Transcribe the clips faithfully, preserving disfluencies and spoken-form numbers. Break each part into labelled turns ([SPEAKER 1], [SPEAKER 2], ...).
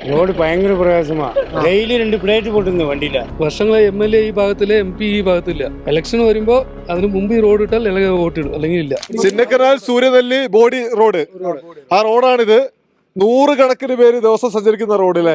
[SPEAKER 1] Road ഭയങ്കര പ്രയാസമാണ്. Daily രണ്ട് പ്ലേറ്റ് പൊട്ടുന്നു വണ്ടിയില്ല.
[SPEAKER 2] വർഷങ്ങളെ എം എൽ എ ഈ ഭാഗത്തില്, എം പി ഈ ഭാഗത്തില്ല. ഇലക്ഷൻ വരുമ്പോ അതിന് മുമ്പ് ഈ റോഡ് ഇട്ടാൽ അല്ലെങ്കിൽ വോട്ടിടും, അല്ലെങ്കിൽ ഇല്ല.
[SPEAKER 3] ചിന്നക്കനാൽ സൂര്യനെല്ലി ബോഡി റോഡ്, ആ റോഡാണിത്. നൂറുകണക്കിന് പേര് ദിവസം സഞ്ചരിക്കുന്ന റോഡിലെ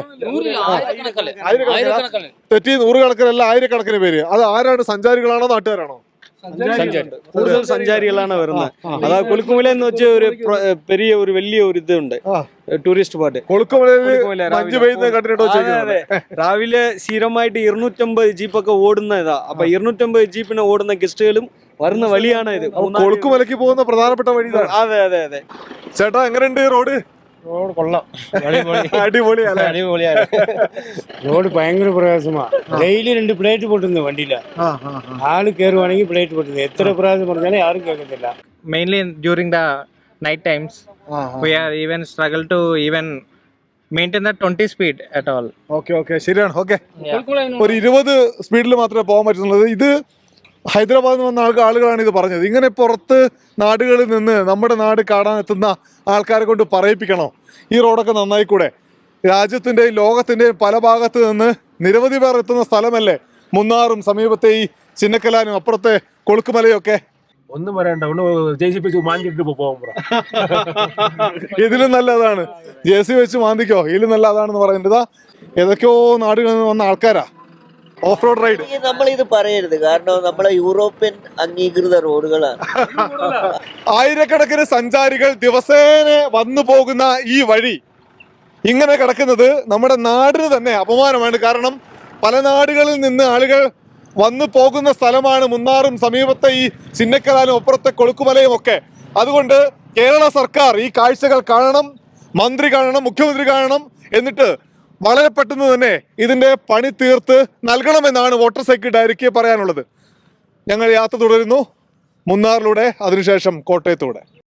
[SPEAKER 3] തെറ്റി നൂറുകണക്കിനല്ല ആയിരക്കണക്കിന് പേര്. അത് ആരാണ്? സഞ്ചാരികളാണോ നാട്ടുകാരാണോ?
[SPEAKER 4] കൂടുതൽ സഞ്ചാരികളാണ് വരുന്നത്. അതാ കൊളുക്കുമല എന്ന് വെച്ച ഒരു പെരിയ ഒരു വലിയ ഒരു ഇതുണ്ട്, ടൂറിസ്റ്റ് സ്പോട്ട്.
[SPEAKER 3] കൊളുക്കുമലയിൽ മഞ്ഞ് പെയ്യുന്നത് കണ്ടിട്ടോ?
[SPEAKER 4] രാവിലെ സ്ഥിരമായിട്ട് ഇരുന്നൂറ്റമ്പത് ജീപ്പൊക്കെ ഓടുന്ന ഇതാ. അപ്പൊ ഇരുന്നൂറ്റമ്പത് ജീപ്പിന് ഓടുന്ന ഗസ്റ്റുകളും വരുന്ന വഴിയാണ് ഇത്.
[SPEAKER 3] കൊളുക്കുമലയ്ക്ക് പോകുന്ന പ്രധാനപ്പെട്ട വഴി.
[SPEAKER 4] അതെ അതെ അതെ.
[SPEAKER 3] ചേട്ടാ, എങ്ങനെയുണ്ട് റോഡ്?
[SPEAKER 1] റോഡ് കൊള്ളാം,
[SPEAKER 3] അടിപൊളിയാണ്.
[SPEAKER 1] അടിപൊളിയാണ്. റോഡ് ഭയങ്കര പ്രയാസമാണ്. ഡെയിലി രണ്ട് പ്ലേറ്റ് പൊട്ടുന്നു വണ്ടിയില്ല. ആള് കയറുവാണെങ്കിൽ പ്ലേറ്റ് പൊട്ടുന്നു. എത്ര പ്രാവശ്യം പറഞ്ഞാലും ആരും കേൾക്കത്തില്ല.
[SPEAKER 5] Mainly during the night times, we are even struggle to even maintain the twenty speed at all.
[SPEAKER 3] Okay okay, ശരിയാണ്. ഓക്കെ, ഒരു ഇരുപത് സ്പീഡിൽ മാത്രമേ പോകാൻ പറ്റുന്നുള്ളൂ. ഇത് ഹൈദരാബാദിൽ നിന്ന് വന്ന ആൾക്ക് ആളുകളാണ് ഇത് പറഞ്ഞത്. ഇങ്ങനെ പുറത്ത് നാടുകളിൽ നിന്ന് നമ്മുടെ നാട് കാണാൻ എത്തുന്ന ആൾക്കാരെ കൊണ്ട് പറയിപ്പിക്കണോ ഈ റോഡൊക്കെ നന്നായിക്കൂടെ? രാജ്യത്തിൻ്റെയും ലോകത്തിൻ്റെയും പല ഭാഗത്ത് നിന്ന് നിരവധി പേർ എത്തുന്ന സ്ഥലമല്ലേ മുന്നാറും സമീപത്തെ ഈ ചിന്നക്കലാനും അപ്പുറത്തെ കൊളുക്കുമലയൊക്കെ.
[SPEAKER 6] ഒന്നും പറയണ്ട, ഒന്ന് ജെ സി വെച്ച് മാന്തിട്ട് പോകുമ്പോ
[SPEAKER 3] ഇതിലും നല്ലതാണ്. ജെ സി വെച്ച് മാന്തിക്കോ, ഇതിലും നല്ല അതാണെന്ന് പറയുന്നത്. ഏതൊക്കെയോ നാടുകളിൽ നിന്ന് വന്ന ആൾക്കാരാ ഓഫ് റോഡ് റൈഡ്.
[SPEAKER 7] നമ്മൾ ഇത് പറയരുത്, കാരണം നമ്മളെ യൂറോപ്യൻ അംഗീകൃത റോഡുകളാണ്.
[SPEAKER 3] ആയിരക്കണക്കിന് സഞ്ചാരികൾ ദിവസേന വന്നു പോകുന്ന ഈ വഴി ഇങ്ങനെ കിടക്കുന്നത് നമ്മുടെ നാടിന് തന്നെ അപമാനമാണ്. കാരണം പല നാടുകളിൽ നിന്ന് ആളുകൾ വന്നു പോകുന്ന സ്ഥലമാണ് മുന്നാറും സമീപത്തെ ഈ ചിന്നക്കലാലും അപ്പുറത്തെ കൊളുക്കുമലയും ഒക്കെ. അതുകൊണ്ട് കേരള സർക്കാർ ഈ കാഴ്ചകൾ കാണണം, മന്ത്രി കാണണം, മുഖ്യമന്ത്രി കാണണം. എന്നിട്ട് വളരെ പെട്ടെന്ന് തന്നെ ഇതിൻ്റെ പണി തീർത്ത് നൽകണമെന്നാണ് വോട്ടർ സൈക്കിൾ ഡയറിക്ക് പറയാനുള്ളത്. ഞങ്ങൾ യാത്ര തുടരുന്നു, മുന്നാറിലൂടെ, അതിനുശേഷം കോട്ടയത്തൂടെ.